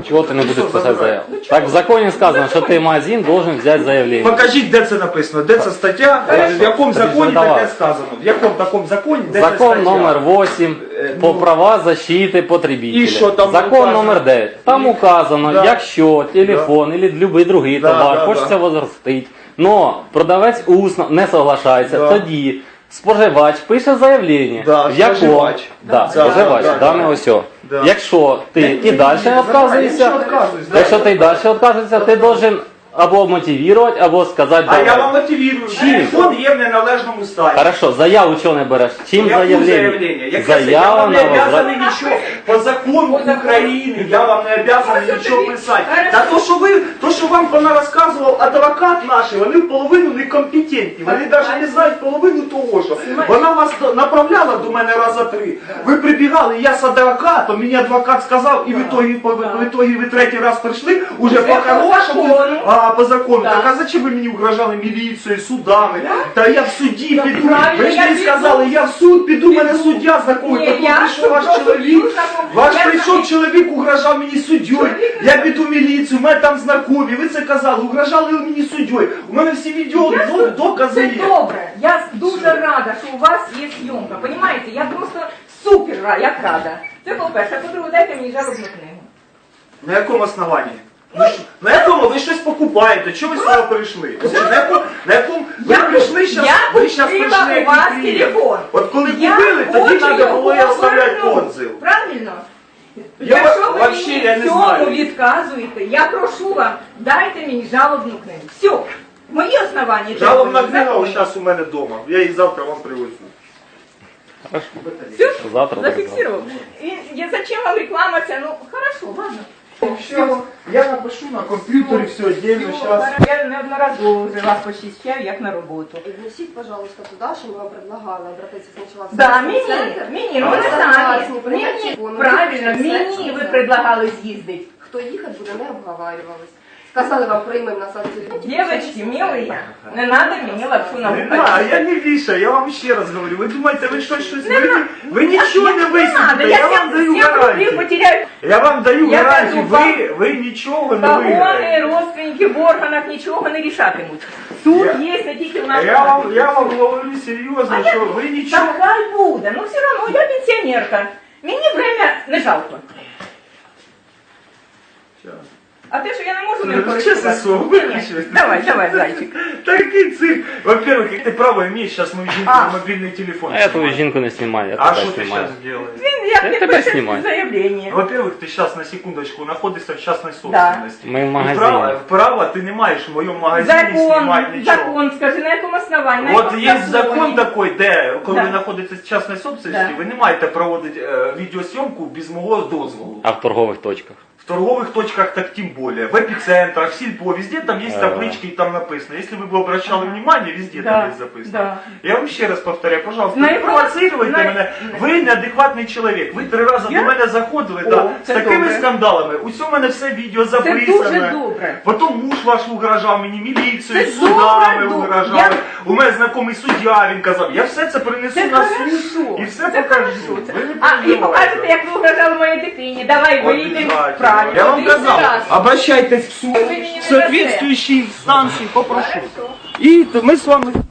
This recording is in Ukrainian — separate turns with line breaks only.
Чего ты не будешь писать заявку? Так в законе сказано, что ты магазин должен взять заявление.
Покажіть, де це написано, де це стаття, в якому законі таке сказано, в якому такому законі, де це
Закон
стаття.
номер 8 по права защиты потребителя.
І що там
Закон
указано?
номер 9. Там указано,
Да.
якщо телефон або будь-який другий
Да,
товар
да,
хочеться
да.
возростити, но продавець усно не соглашається,
Да.
тоді споживач пише заявлення,
Да,
в якому
споживач.
да,
Да,
споживач,
да,
дане
да.
ось.
Да.
Якщо ти і далі відказуєшся, якщо ти і далі відказуєшся, ти должен або мотивувати, або сказати
А я
давай.
вам мотивірую,
Чим?
телефон є в неналежному стані.
Хорошо, заяву чого не береш? Чим
Яку
заявлення?
заявлення? Яке я
Заява
вам не
на
обязаний
возврат.
нічого. По закону України я вам не обязаний нічого писати. Та то, що вам понарозказував адвокат наш, вони в половину некомпетентні. Вони навіть не знають половину того, що. Вона вас направляла до мене раза 3. Ви прибігали, я з адвокатом, мені адвокат сказав, і в итоге ви третій раз прийшли, уже по-хорошому, по закону. Так а зачем ви мені угрожали міліцією, судами? Та я в суді піду. Ви ж мені сказали, я в суд піду, мене суддя знакомий. Потім прийшов ваш чоловік. Ваш прийшов чоловік, угрожав мені суддєю. Я піду в міліцію, мене там знакомі. Ви це казали, угрожали ви мені суддєю. У мене всі відео, докази
Це
є.
добре. Я дуже рада, що у вас є зйомка. Понімаєте? Я просто супер як рада. Це по-перше. А по-друге, дайте мені жалобну книгу.
На якому основанні? На якому ви щось покупаєте? Чого ви сюди прийшли? На якому ви прийшли зараз? Ви зараз прийшли
у вас
як клієнт.
телефон.
От коли
Я
купили, тоді
хочу
треба було і
його
оставляти
повернути.
отзив.
Правильно?
Я
Якщо ви
вообще,
мені
я не
в цьому
знаю.
відказуєте, я прошу вам, дайте мені жалобну книгу. Все. Мої основання.
Жалобна
законні.
книга зараз у мене вдома. Я її завтра вам привезу.
Все?
Завтра
Зафиксировал. И зачем вам реклама вся? Ну, хорошо, ладно.
Все, я напишу на комп'ютері все отдельно зараз.
Я неодноразово вже вас посіщаю, як на роботу.
Внесіть, пожалуйста, туда, що ми вам предлагали обратитися спочатку в
Да,
сервісний центр.
мені, ну ви
Просто
самі.
власні прийняті,
Мені, правильно, мені ви предлагали з'їздити.
Хто їхати буде, не обговарювались. Сказали вам, приймемо на санкцію.
Девочки, милые, не надо мені лапшу на
Не
вухо.
надо, я не вішаю, я вам ще раз говорю. Ви думаєте, ви щось, ви нічого не
надо,
висвітлите,
я
я вам даю
7 рублей
гарантію.
потеряю.
Я вам даю
Я
гарантію,
кажу,
ви нічого не
Погони,
виграєте.
родственники в органах нічого не рішатимуть. Суд є не тільки у нас.
Я вам говорю серйозно, що ви нічого...
Так хай буде, ну все одно, я пенсіонерка. Мені время не жалко. А те, що я не можу не
Ну, чесне слово,
Ні,
виключи.
Давай, зайчик.
Такий цирк. Во-первых, ты право имеешь сейчас мою жінку на мобильный телефон.
А я твою жінку не знімаю, я
А
тебе
что ты
знімаю.
сейчас делаешь?
Він як
Я
не
тебе
пише
знімаю.
заявлення.
Во-первых, ты сейчас на секундочку находишься в частной собственности.
Ми в
И
магазині.
право ты не маешь в моем магазине снимать ничего.
Закон, скажи, на якому основанні? На
Вот
якому
есть закон
законі?
такой, де, коли
Да.
ви знаходитесь в частной собственности,
Да.
ви не маєте проводити відеосйомку без мого дозволу.
А в торгових точках?
В торговых точках так тем более, в эпицентрах, в Сильпо, везде там есть таблички и там написано. Если вы бы обращали внимание, везде
Да,
там есть записано.
да.
Я вам ще раз повторяю, пожалуйста,
На
не
якому-
провоцируйте
на-
мене. Ви неадекватний чоловік. Ви 3 рази
Я?
до мене заходили
О,
да, з
це
такими
добре.
скандалами. Усьо в мене все відео
Це
записане.
дуже добре.
Потім муж ваш угрожав мені, міліцією,
Це
судами
добре,
угрожав.
я-
У мене знайомий суддя, він казав, я все це принесу
Це
на суд
хорошо.
і все
Це
покажу.
хорошо. Це-
Ви не
А, і
переживайте.
покажете, як ви угрожали моїй дитині. Давай вийдемо
Обязательно.
правильно.
Я вам
Один
казав,
раз.
обращайтесь в суд,
Ви мені не
в соответствующие инстанции, попрошу. И мы с вами